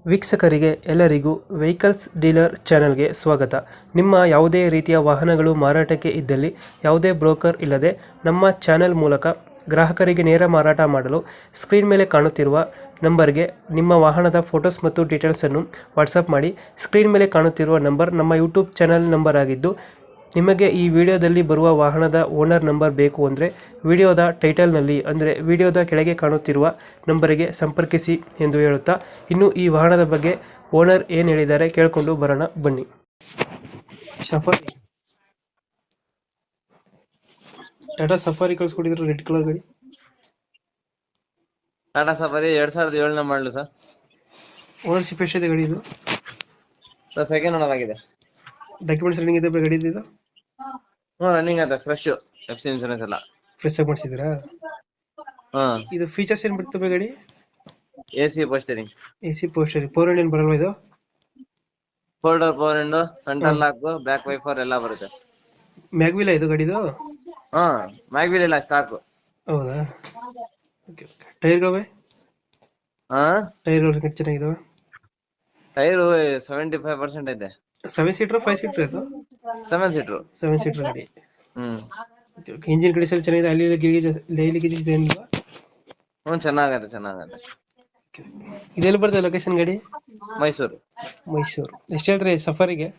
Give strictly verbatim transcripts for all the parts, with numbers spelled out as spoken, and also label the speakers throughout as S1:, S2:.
S1: ವೀಕ್ಷಕರಿಗೆ ಎಲ್ಲರಿಗೂ vehicles dealer ಚಾನೆಲ್ಗೆ ಸ್ವಾಗತ. ನಿಮ್ಮ ಯಾವುದೇ ರೀತಿಯ ವಾಹನಗಳು ಮಾರಾಟಕ್ಕೆ ಇದ್ದಲ್ಲಿ ಯಾವುದೇ ಬ್ರೋಕರ್ ಇಲ್ಲದೆ ನಮ್ಮ ಚಾನೆಲ್ ಮೂಲಕ ಗ್ರಾಹಕರಿಗೆ ನೇರ ಮಾರಾಟ ಮಾಡಲು ಸ್ಕ್ರೀನ್ ಮೇಲೆ ಕಾಣುತ್ತಿರುವ ನಂಬರ್ಗೆ ನಿಮ್ಮ ವಾಹನದ ಫೋಟೋಸ್ ಮತ್ತು ಡೀಟೇಲ್ಸನ್ನು ವಾಟ್ಸಪ್ ಮಾಡಿ. ಸ್ಕ್ರೀನ್ ಮೇಲೆ ಕಾಣುತ್ತಿರುವ ನಂಬರ್ ನಮ್ಮ ಯೂಟ್ಯೂಬ್ ಚಾನೆಲ್ ನಂಬರ್ ಆಗಿದ್ದು, ನಿಮಗೆ ಈ ವಿಡಿಯೋದಲ್ಲಿ ಬರುವ ವಾಹನದ ಓನರ್ ನಂಬರ್ ಬೇಕು ಅಂದರೆ ವಿಡಿಯೋದ ಟೈಟಲ್ನಲ್ಲಿ ಅಂದರೆ ವಿಡಿಯೋದ ಕೆಳಗೆ ಕಾಣುತ್ತಿರುವ ನಂಬರಿಗೆ ಸಂಪರ್ಕಿಸಿ ಎಂದು ಹೇಳುತ್ತಾ, ಇನ್ನು ಈ ವಾಹನದ ಬಗ್ಗೆ ಓನರ್ ಏನು ಹೇಳಿದ್ದಾರೆ ಕೇಳಿಕೊಂಡು ಬರೋಣ ಬನ್ನಿ. ಸಫಾರಿ ಟಾಟಾ ಸಫಾರಿ ಕಳಿಸ್ಕೊಟ್ಟಿದ್ರು, ರೆಡ್ ಕಲರ್ ಗಾಡಿ.
S2: ಟಾಟಾ ಸಫಾರಿ ಎರಡ್ ಸಾವಿರದ ಏಳನೇ ಮಾಡಲು ಸರ್.
S1: ಓನರ್ಶಿಪ್ ಎಷ್ಟಿದೆ ಗಾಡಿ ಇದು?
S2: ಸರ್ ಸೆಕೆಂಡ್ ಓನರ್ ಆಗಿದೆ.
S1: ಡಾಕ್ಯುಮೆಂಟ್ಸ್ ರನ್ನಿಂಗ್ ಇದೆ ಗಾಡಿ ಇದು?
S2: ಹ್ಞೂ ರನ್ನಿಂಗ್ ಆಯ್ತು, ಫ್ರೆಶ್ ಎಫ್ ಸಿ ಇನ್ಶೂರೆನ್ಸ್ ಎಲ್ಲ
S1: ಫ್ರೆಶ್ ಆಗಿ ಮಾಡಿಸಿದ್ರಾ?
S2: ಹಾಂ.
S1: ಇದು ಫೀಚರ್ಸ್ ಏನು ಬರ್ತವೆ ಗಾಡಿ?
S2: ಎ ಸಿ ಪೋಸ್ಟರಿಂಗ್,
S1: ಎ ಸಿ ಪೋಸ್ಟರ್, ಫೋರ್ ಹಂಡ್ರೆಡ್ ಬರಲ್ವಾ ಇದು?
S2: Four door power window, central lock, back wiper ಎಲ್ಲ ಬರುತ್ತೆ.
S1: ಮ್ಯಾಗ್ವಿಲ ಇದು ಗಾಡಿದು?
S2: ಹಾಂ, ಮ್ಯಾಗ್ವಿಲ್ ಇಲ್ಲ, ಸ್ಟಾಕು.
S1: ಹೌದಾ? Okay okay. ಟೈರ್ಗಳವೆ?
S2: ಹಾಂ,
S1: ಟೈರ್ಗಳು ಚೆನ್ನಾಗಿದಾವೆ?
S2: ಟೈರು ಸೆವೆಂಟಿ ಫೈವ್ ಪರ್ಸೆಂಟ್ ಐತೆ.
S1: ಸೆವೆನ್ ಸೀಟರ್ ಫೈವ್ ಸೀಟರ್ ಇದು?
S2: Seven seater.
S1: ಸೆವೆನ್ ಸೀಟರ್ ಗಾಡಿ.
S2: Hmm
S1: okay okay. Engine condition ಚೆನ್ನಾಗಿದೆ? ಅಲ್ಲಿ ಗಿರಿಗೇಜ್ ಡೈಲಿ ಗೀಜ್ ಏನಿಲ್ವಾ?
S2: ಹ್ಞೂ ಚೆನ್ನಾಗತ್ತೆ ಚೆನ್ನಾಗತ್ತೆ.
S1: ಇದೆಲ್ಲಿ ಬರ್ತದೆ ಲೊಕೇಶನ್ ಗಾಡಿ?
S2: ಮೈಸೂರು.
S1: ಮೈಸೂರು. ಎಷ್ಟು ಹೇಳ್ತಾರೆ ಸಫಾರಿಗೆ?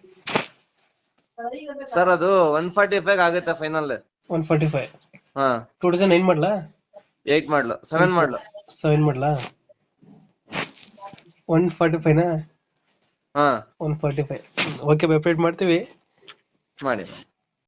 S2: ಸರ್ ಅದು ಒನ್ ಫಾರ್ಟಿ ಫೈವ್ ಆಗುತ್ತೆ ಫೈನಲ್.
S1: One forty five.
S2: ಹಾ,
S1: ಟೂ ತೌಸಂಡ್ ನೈನ್ ಮಾಡಲಾ?
S2: ಏಟ್ ಮಾಡ್ಲು, ಸೆವೆನ್ ಮಾಡ್ಲು.
S1: ಸೆವೆನ್ ಮಾಡಲಾ? ಒನ್ ಫಾರ್ಟಿ ಫೈವ್ನಾ?
S2: ಹಾ,
S1: one forty five. Okay, update ಮಾಡ್ತೀವಿ.
S2: ಮಾಡಿ.